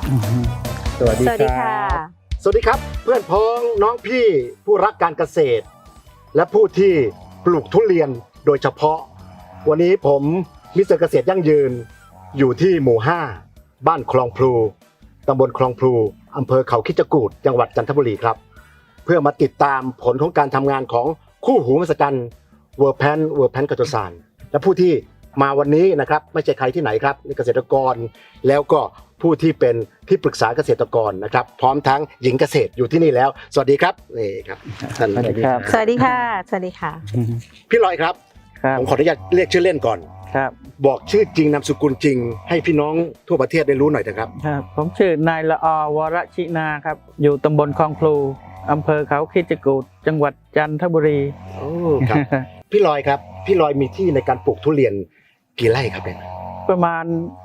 สวัสดีค่ะสวัสดีครับเพื่อนพ้องน้องพี่ผู้รักการเกษตร และผู้ที่ปลูกทุเรียนโดยเฉพาะวันนี้ผมมิสเตอร์เกษตรยั่งยืนอยู่ที่หมู่ 5 บ้านคลองพลูตำบลคลองพลูอำเภอเขาคิดจกูฏจังหวัดจันทบุรีครับเพื่อมาติดตามผลของการทำงานของคู่หูมหัศจรรย์เวอร์แพนกัตโตซานและผู้ที่มาวันนี้นะครับไม่ใช่ใครที่ไหนครับนี่เกษตรกรแล้วก็ผู้ที่เป็นที่ปรึกษาเกษตรกรนะครับพร้อมทั้งหญิงเกษตรอยู่ที่นี่แล้วสวัสดีครับนี่ครับท่านสวัสดีครับสวัสดีค่ะ สวัสดีค่ะพี่ลอยครับครับผมขออนุญาตเรียกชื่อเล่นก่อนครับบอกชื่อจริงนามสกุลจริง ให้พี่น้องทั่วประเทศได้รู้หน่อยนะครับครับผมชื่อนายละอวรชินาครับอยู่ตำบลคลองพลูอำเภอเขาคิดจกูฏจังหวัดจันทบุรีโอ้ครับ พี่ลอยครับพี่ลอยมีที่ในการปลูกทุเรียนกี่ไร่ครับเนี่ยประมาณ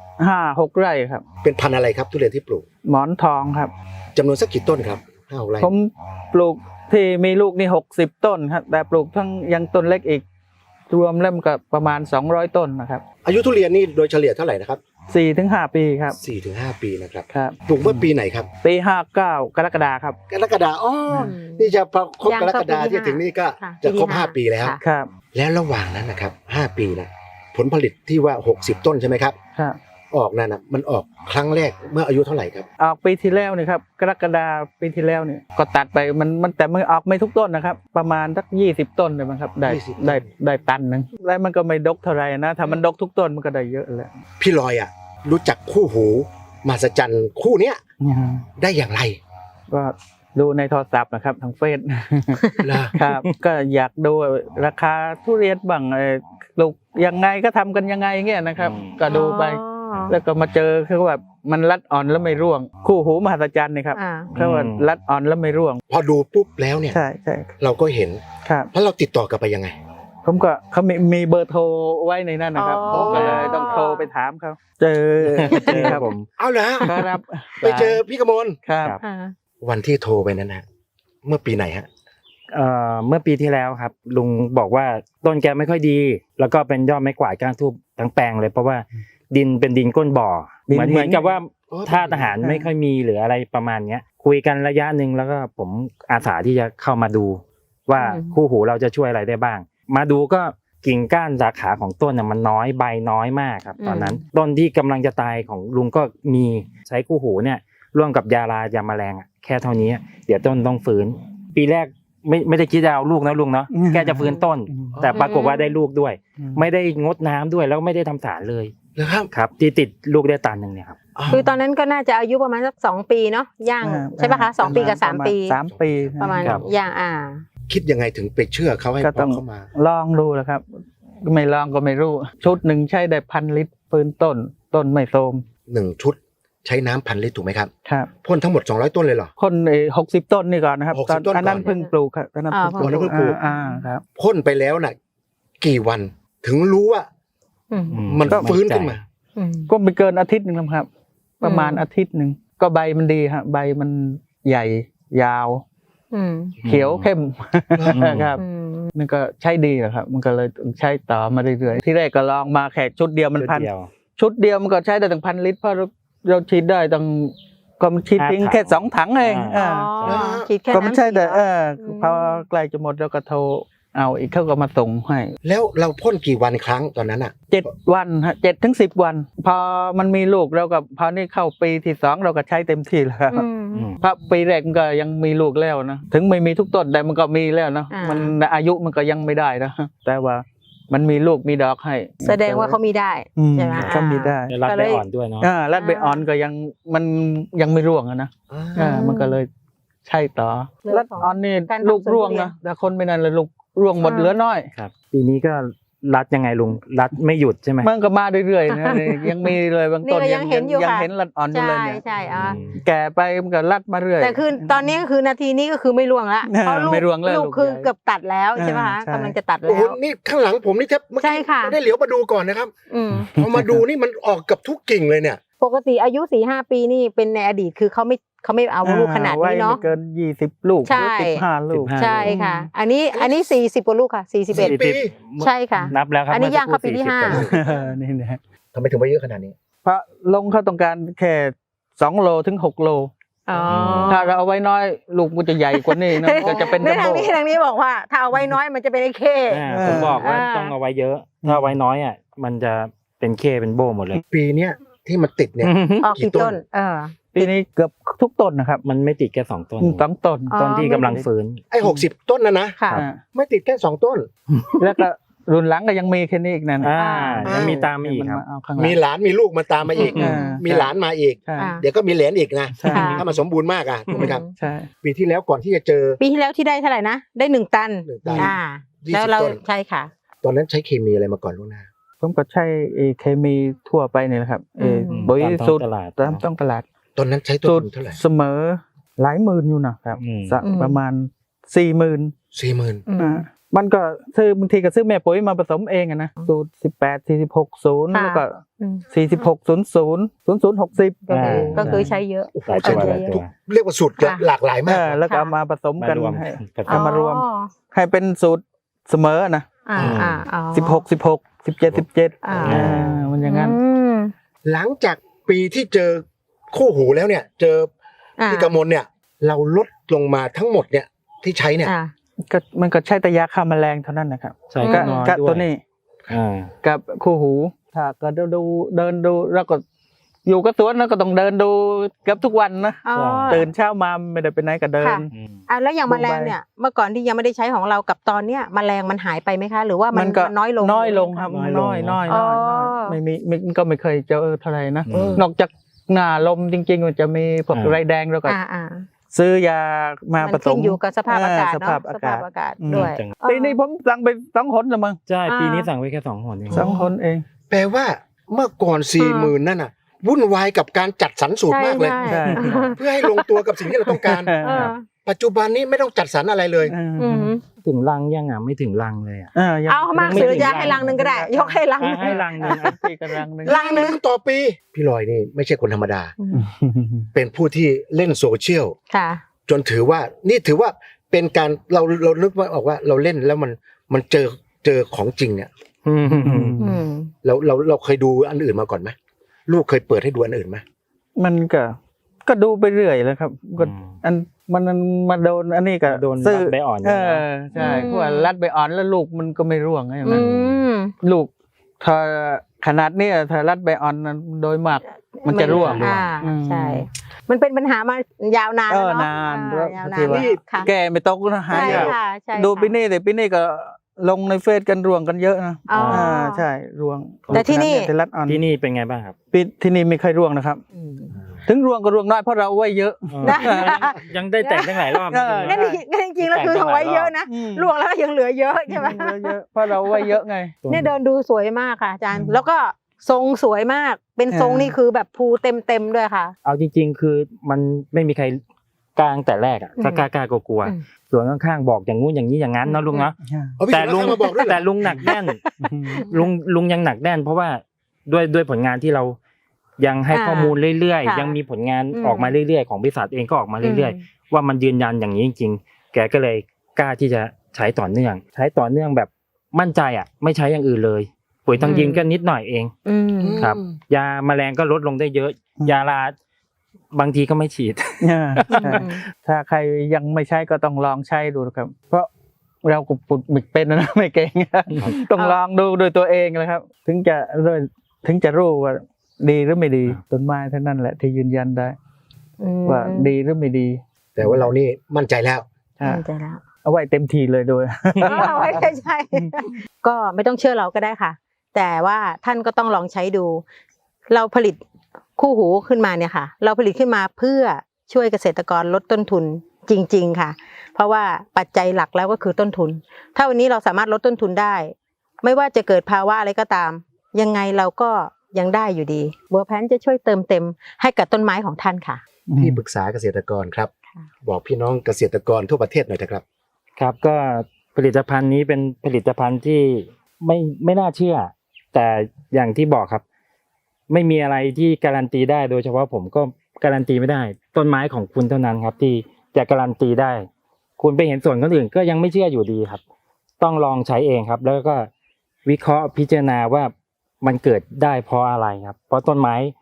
5-6 ไร่ครับเป็นพันธุ์อะไรครับทุเรียนที่ปลูกหมอนทองครับจำนวนสักกี่ต้นครับ5-6 ไร่ผมปลูกที่มีลูกนี่60 ต้นครับแต่ปลูกทั้งยังต้นเล็กอีกรวมเล่มกับประมาณ200 ต้นนะครับอายุทุเรียนนี่โดยเฉลี่ยเท่าไหร่นะครับ 4-5 ปีครับ 4-5 ปีนะครับครับปลูกเมื่อปีไหนครับปี59กรกฎาคมครับกรกฎาคมนี่จะพอครบยังกรกฎาคมเข้าปีที่ที่ถึงนี่ก็ค่ะจะครบปีที่ 5 ปีแล้วค่ะครับแล้วระหว่างนั้นนะครับ5 ปีนะผลผลิตที่ว่า60 ต้นใช่ไหมครับครับออกนั่นนะมันออกครั้งแรกเมื่ออายุเท่าไหร่ครับออกปีที่แล้วนี่ครับกรกฎาปีที่แล้วเนี่ยก็ตัดไปมันแต่มันออกไม่ทุกต้นนะครับประมาณสัก20 ต้นเลยมั้งครับได้ตันหนึงแล้วมันก็ไม่ดกเท่าไหร่นะถ้ามันดกทุกต้นมันก็ได้เยอะแหละพี่ลอยอ่ะรู้จักคู่หูมหัศจรรย์คู่เนี้ยได้อย่างไรก็ดูในโทรศัพท์นะครับทางเฟซล่ะครับ ก็อยากดูราคาทุเรียนบ้างปลูกยังไงก็ทำกันยังไงเงี้ยนะครับ ก็ดูไป แล้วก็มาเจอคือแบบมันรัดอ่อนแล้วไม่ร่วง คู่หูมหัศจรรย์นี่ครับเขาว่ารัดอ่อนแล้วไม่ร่วงพอดูปุ๊บแล้วเนี่ยใช่ใช่เราก็เห็นครับแล้วเราติดต่อกลับไปยังไงผมก็เขามีเบอร์โทรไว้ในนั้นนะครับอ๋อผมก็เลยต้องโทรไปถามเขาเจอครับผมเอาเหรอครับไปเจอพี่กมลครับค่ะวันที่โทรไปนั้นนะเมื่อปีไหนฮะเมื่อปีที่แล้วครับลุงบอกว่าต้นแกไม่ค่อยดี แล้วก็เป็นยอดไม้กวาดก้านทูบทั้งแปลงเลยเพราะว่าดินเป็นดินก้นบ่อเหมือนกับว่าท่าทหารไม่ค่อยมีหรืออะไรประมาณเนี้ยคุยกันระยะหนึ่งแล้วก็ผมอาสาที่จะเข้ามาดูว่าคู่หูเราจะช่วยอะไรได้บ้าง มาดูก็กิ่งก้านสาขาของต้นน่ะมันน้อยใบน้อยมากครับตอนนั้นต้นที่กำลังจะตายของลุงก็มีใช้คู่หูเนี่ยร่วมกับยาแมลงแค่เท่านี้เดี๋ยวต้นต้องฟื้นปีแรกไม่ได้คิดจะเอาลูกนะลุงเนาะแกจะฟื้นต้น แต่ปรากฏว่าได้ลูกด้วย ไม่ได้งดน้ำด้วยแล้วไม่ได้ทำสารเลยนะครับครับที่ติดลูกได้ตันหนึ่งเนี่ยครับคือตอนนั้นก็น่าจะอายุประมาณสัก2 ปีเนาะย่างใช่ปะคะ2 ปีกับ3 ปี 3 ปีประมาณครับย่างคิดยังไงถึงไปเชื่อเขาให้ก็ต้องเข้ามาลองดูแหละครับไม่ลองก็ไม่รู้ชุดหนึ่งใช้ได้1,000 ลิตรฟื้นต้นไม่โทรม 1 ชุดใช้น้ำ1,000 ลิตรถูกไหมครับครับพ่นทั้งหมด200 ต้นเลยเหรอคน60 ต้นนี่ก่อนนะครับ 60 ตอนต้นก่อนอันนั้นเพิ่งปลูกครับตอนนั้นอ๋อแล้วเพิ่งปลูกครับพ่นไปแล้วน่ะกี่วันถึงรู้ว่า มันฟื้นขึ้นมาก็ไม่เกินอาทิตย์หนึ่งครับ ประมาณอาทิตย์หนึ่งก็ใบมันดีฮะใบมันใหญ่ยาว เขียวเข้มครับมันก็ใช้ดีอะครับมันก็เลยใช้ต่อมาเรื่อยๆที่แรกก็ลองมาแค่ชุดเดียวมันพันชุดเดียวมันก็ใช้ได้ตั้ง1,000 ลิตรเพราะเราฉีดได้ตั้งก็มันฉีดทิ้งแค่2 ถังเองคิดแค่ก็ไม่ใช่แต่น้ำพอใกล้จะหมดเราก็โทรเอาอีกเขาก็มาส่งให้แล้วเราพ่นกี่วันครั้งตอนนั้นอ่ะ 7 วันฮะ7 ถึง 10 วัน พอมันมีลูกเราก็พอนี่เข้าปีที่2เราก็ใช้เต็มที่แล้วเพราะปีแรกมันก็ยังมีลูกแล้วนะถึงไม่มีทุกต้นแต่มันก็มีแล้วนะมันอายุมันก็ยังไม่ได้นะแต่ว่ามันมีลูกมีดอกให้แสดงว่าเขามีได้ใช่ไหมเขามีได้รัดใบอ่อนด้วยเนาะรัดใบอ่อนก็มันยังไม่ร่วงอะนะมันก็เลยใช่ต่อรัดอ่อนนี่ลูกร่วงนะแต่คนไม่นั่นเลยลูกร่วงหมดเหลือน้อยครับปีนี้ก็รัดยังไงลุงรัดไม่หยุดใช่ไหมมันก็มาเรื่อยๆนะยังมีเลยบางต้นนี่ก็ยังเห็นอยู่ค่ะเห็นรัดอ่อนอยู่เลยเนี่ยใช่แก่ไปมันก็รัดมาเรื่อยแต่คือตอนนี้ก็คือนาทีนี้ก็คือไม่ร่วงละเพราะไม่ร่วงแล้วลูกคือลูกใหญ่เกือบตัดแล้วใช่ไหมคะใช่กำลังจะตัดโอ้แล้โหวนี่ข้างหลังผมนี่แทบเมื่อใช่กี้ค่ะไม่ได้เหลียวมาดูก่อนนะครับ พอมาดูนี่มันออกกับทุกกิ่งเลยเนี่ยปกติอายุ 4-5 ปีนี่เป็นในอดีตคือเขาไม่เอาลูกขนาดนี้เนาะไว้ไม่เกิน20 ลูกหใช่รือ15 ลูกใช่ค่ะ อันนี้40 กว่าลูกค่ะ41 ปีใช่ค่ะนับแล้วครับอันนี้ย่างเข้าปีที่มื่อสักครู่40 นี่นะทำไมถึงไปเยอะขนาดนี้เพราะลงเขาต้องการแค่ 2 โลถึง 6 โลอ๋อถ้าเราเอาไว้น้อยลูกมันจะใหญ่กว่านี้นะก็จะเป็นในจัมทางโบ้นี้ทางนี้บอกว่า ถ้าเอาไว้น้อยมันจะเป็นไอ้เข้ผมบอกว่าอ่าต้องเอาไว้เยอะ ถ้าเอาไว้น้อยอ่ะมันจะเป็นเคเป็นโบหมดเลยปีเนี้ยที่มันติดเนี่ยออกกี่ต้นปีนี้เกือบทุกต้นนะครับมันไม่ติดแค่2 ต้น 2 ต้นอ๋อต้นที่กำลังฟื้นไอ้60 ต้นนะค่ะอ่าไม่ติดแค่2 ต้นแล้วก็รุ่นหลังก็ยังมีแค่นี้อีกนั่นยังมีตามมาอีกครับเอาข้างหลังมีหลานมีลูกมาตามมาอีกอ่ามีหลานมาอีกใช่อ่าเดี๋ยวก็มีเหลนอีกนะใช่ค่ะถ้ามันสมบูรณ์มากอ่ะถูกไหมครับใช่ปีที่แล้วก่อนที่จะเจอปีที่แล้วที่ได้เท่าไหร่นะได้1 ตัน 1 ตัน 20 แล้วเราต้นใช่ค่ะตอนนั้นใช้เคมีอะไรมาก่อนล่วงหน้าผมก็ใช้เคมีทั่วไปนี่แหละครับอืมปุ๋ยตามท้องสูตรตลาดตามต้องตลาดตอนนั้นใช้ต้นสูตทุรนเท่าไหร่เสมอหลายหมื่นอยู่นะครับอืมสักประมาณ 40,000 40,000 อืมมันก็ซื้อบางทีก็ซื้อแม่ปุ๋ยมาผสมเองอะนะสูตร18 46 0 ค่ะแล้วก็อืม 46 00 00 60 ก็คืออ่าก็คือใช้เยอะโอ้โหหลายใช้ตัวทุหลายกตัวเรียกว่าสูตรค่ะหลากหลายมากแล้วก็เอามาผสมมากันรวมให้กันเอามารวมอ๋อให้เป็นสูตรเสมอนะอ๋อ 16 16 17 17 อ่ามันอย่างนั้นอืมหลังจากปีที่เจอคู่หูแล้วเนี่ย เจอพี่กมลเนี่ย เราลดลงมาทั้งหมดเนี่ยที่ใช้เนี่ยอ่าก็มันก็ใช้แต่ยาฆ่าแมลงเท่านั้นนะครับใช่ก็ก็น้อยก็ด้วยตัวนี้อ่ากับคู่หูถ้าก็เดินดูแล้วก็อยู่กับสวนแล้วก็ต้องเดินดูเกือบทุกวันนะอ๋อตื่นเช้ามาไม่ได้ไปไหนก็เดินค่ะ แล้วอย่างแมลงเนี่ยเมื่อก่อนที่ยังไม่ได้ใช้ของเรากับตอนเนี้ยแมลงมันหายไปไหมคะ หรือว่ามันก็น้อยลงน้อยลงครับน้อยลงน้อยอ๋อไม่มีก็ไม่เคยเจอเท่าไหร่นะอืมนอกจากหน้าลมจริงๆมันจะมีพวกอ่าไรแดงแล้วก็อ่าซื้อยามามันผสขึ้มนอยู่กับสภาพอากาศสเนาะภาพอาสกาภาศพอากาศอืมด้วยจังปีนี้ผมสั่งไป2 หนละมั้งใช่ปีนี้สั่งไว้แค่2 หนเอง 2 หนเองแปลว่าเมื่อก่อน 40,000 นั่นน่ะวุ่นวายกับการจัดสรรสูตรมากเลยใช่เพื่อให้ลงตัวกับสิ่งที่เราต้องการเออปัจจุบันนี้ไม่ต้องจัดสรรอะไรเลยอืมถึงรังยังอ่ะไม่ถึงรังเลยอ่ะยังเอามากไม่สุดถึงจะรังให้รังหนึ่งก็ได้ ยกให้รังหนึ่งให้รังหนึงปีกำลังหนึ่งลังหนึงต่อปี พี่ลอยนี่ไม่ใช่คนธรรมดา เป็นผู้ที่เล่นโซเชียลค่ะจนถือว่านี่ถือว่าเป็นการเรานึกว่าออกว่าเราเล่นแล้วมันเจอของจริงเนี่ยอืมเราเคยดูอันอื่นมาก่อนไหมลูกเคยเปิดให้ดูอันอื่นไหมมันก็ดูไปเรื่อยแล้วครับก็อันมันมาโดนอันนี้ก็โดนซื้อรัดใบอ่อนใช่เพราะว่ารัดใบอ่อนแล้วลูกมันก็ไม่ร่วงอย่างอืนั้นมลูกถ้าขนาดเนี้ยถ้ารัดใบอ่อนนั้นโดยมากมันจะร่วงใช่ มันเป็นปัญหามายาวนานแล้วเนาะนานยาวนานที่ว่าแล้วค่ะแก่ไม่ตกนะหาใช่ยากค่ะใช่ดูค่ะปีนี้แต่ปีนี้ก็ลงในเฟซกันร่วงกันเยอะนะอ๋ออ่ใช่ร่วงแต่ที่นี่ที่รัดอ่อนที่นี่เป็นไงบ้างครับปีที่นี่ไม่เคยร่วงนะครับอืมถึงร่วงก็ร่วงน้อยเพราะเราเอาไว้เยอะได้ยังได้แต่งตั้งหลายรอบเอองั้นจริงๆแล้วคือเอาไว้เยอะนะล่วงแล้วก็ยังเหลือเยอะใช่ไหมเยอะเพราะเราเอาไว้เยอะไงเนี่ยเดินดูสวยมากค่ะอาจารย์ แล้วก็ทรงสวยมาก เป็นทรงอ่านี่นี่คือแบบภูเต็มด้วยค่ะเอาจริงๆ คือมันไม่มีใครกลางแต่แรกอ่ะอืมก็กล้ากลัวอืมๆส่วนข้างๆบอกอย่างงู้นอย่างนี้อย่างนั้นเนาะลุงเนาะเอาพี่แต่สุลุรง มาบอกด้วยเหรอแต่ลุงหนักแน่น ลุงยังหนักแน่น เพราะว่าด้วยผลงานที่เรายังให้ข้อมูลเรื่อยค่ะๆยังมีผลงานอืมออกมาเรื่อยๆของบริษัทเองก็ออกมาเรื่อยๆว่ามันยืนยันอย่างนี้จริงๆแกก็เลยกล้าที่จะใช้ต่อเนื่อง ใช้ต่อเนื่องแบบมั่นใจอ่ะไม่ใช้อย่างอื่นเลยปุ๋ยทางดินก็นิดหน่อยเองอืมครับ ยาแมลงก็ลดลงได้เยอะ ยาลาบางทีก็ไม่ฉีดใช่ถ้าใครยังไม่ใช้ก็ต้องลองใช้ดูนะครับ เพราะเราก็ปุดมิกเป็นนะไม่เก่งต้องลองดูด้วยตัวเองนะครับ ถึงจะรู้ว่าดีหรือไม่ดีต้นไม้เท่านั้นแหละที่ยืนยันได้ว่าดีหรือไม่ดีแต่ว่าเรานี่มั่นใจแล้วมั่นใจแล้วเอาไว้เต็มทีเลยด้วยเอาไว้ใช่ ก็ไม่ต้องเชื่อเราก็ได้ค่ะ แต่ว่าท่านก็ต้องลองใช้ดู เราผลิตคู่หูขึ้นมาเนี่ยค่ะ เราผลิตขึ้นมาเพื่อช่วยเกษตรกรลดต้นทุนจริง ๆค่ะ เพราะว่าปัจจัยหลักแล้วก็คือต้นทุน ถ้าวันนี้เราสามารถลดต้นทุนได้ ไม่ว่าจะเกิดภาวะอะไรก็ตาม ยังไงเราก็ยังได้อยู่ดีบัวแพนจะช่วยเติมเต็มให้กับต้นไม้ของท่านค่ะที่ปรึกษาเกษตรกรครับค่ะบอกพี่น้องเกษตรกรทั่วประเทศหน่อยเถอะครับครับก็ผลิตภัณฑ์นี้เป็นผลิตภัณฑ์ที่ไม่น่าเชื่อ แต่อย่างที่บอกครับ ไม่มีอะไรที่การันตีได้โดยเฉพาะผมก็การันตีไม่ได้ ต้นไม้ของคุณเท่านั้นครับที่จะการันตีได้ คุณไปเห็นส่วนคนอื่นก็ยังไม่เชื่ออยู่ดีครับ ต้องลองใช้เองครับ แล้วก็วิเคราะห์พิจารณาว่ามันเกิดได้เพราะอะไรครับ เพราะต้นไม้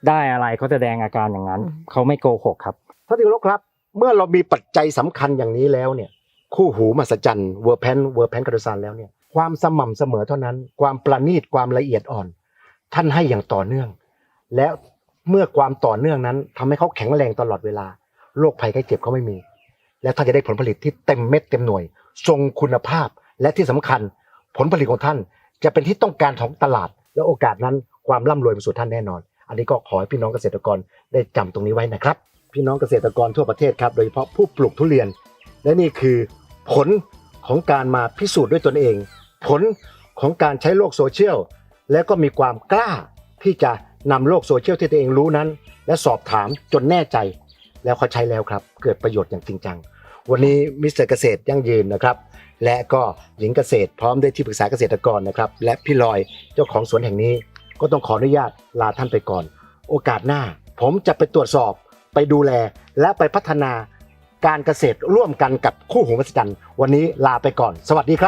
ได้อะไรเขาแสดงอาการอย่างนั้นเขาไม่โกหกครับท่านที่เคารพครับ เมื่อเรามีปัจจัยสำคัญอย่างนี้แล้วเนี่ยคู่หูมหัศจรรย์เวอร์แพนกระดซานแล้วเนี่ยความสม่ำเสมอเท่านั้นความประณีตความละเอียดอ่อน ท่านให้อย่างต่อเนื่อง และเมื่อความต่อเนื่องนั้นทำให้เขาแข็งแรงตลอดเวลาโรคภัยไข้เจ็บเขาไม่มี และท่านจะได้ผลผลิตที่เต็มเม็ดเต็มหน่วยทรงคุณภาพและที่สำคัญผลผลิตของท่านจะเป็นที่ต้องการของตลาดและโอกาสนั้นความร่ำรวยมาสู่ท่านแน่นอน อันนี้ก็ขอให้พี่น้องเกษตรกรได้จำตรงนี้ไว้นะครับพี่น้องเกษตรกรทั่วประเทศครับโดยเฉพาะผู้ปลูกทุเรียนและนี่คือผลของการมาพิสูจน์ด้วยตนเอง ผลของการใช้โลกโซเชียลและก็มีความกล้าที่จะนำโลกโซเชียลที่ตัวเองรู้นั้นและสอบถามจนแน่ใจแล้วเขาใช้แล้วครับเกิดประโยชน์อย่างจริงจังวันนี้มิสเตอร์เกษตรยั่งยืนนะครับและก็หญิงเกษตรพร้อมด้วยที่ปรึกษาเกษตรกรนะครับและพี่ลอยเจ้าของสวนแห่งนี้ก็ต้องขออนุญาตลาท่านไปก่อนโอกาสหน้าผมจะไปตรวจสอบไปดูแลและไปพัฒนาการเกษตรร่วมกันกับคู่หูมหัศจรรย์วันนี้ลาไปก่อนสวัสดีครับ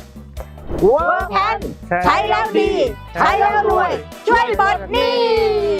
เวอร์แพนใช้แล้วดี ใช้แล้วรวย ช่วยปลดหนี้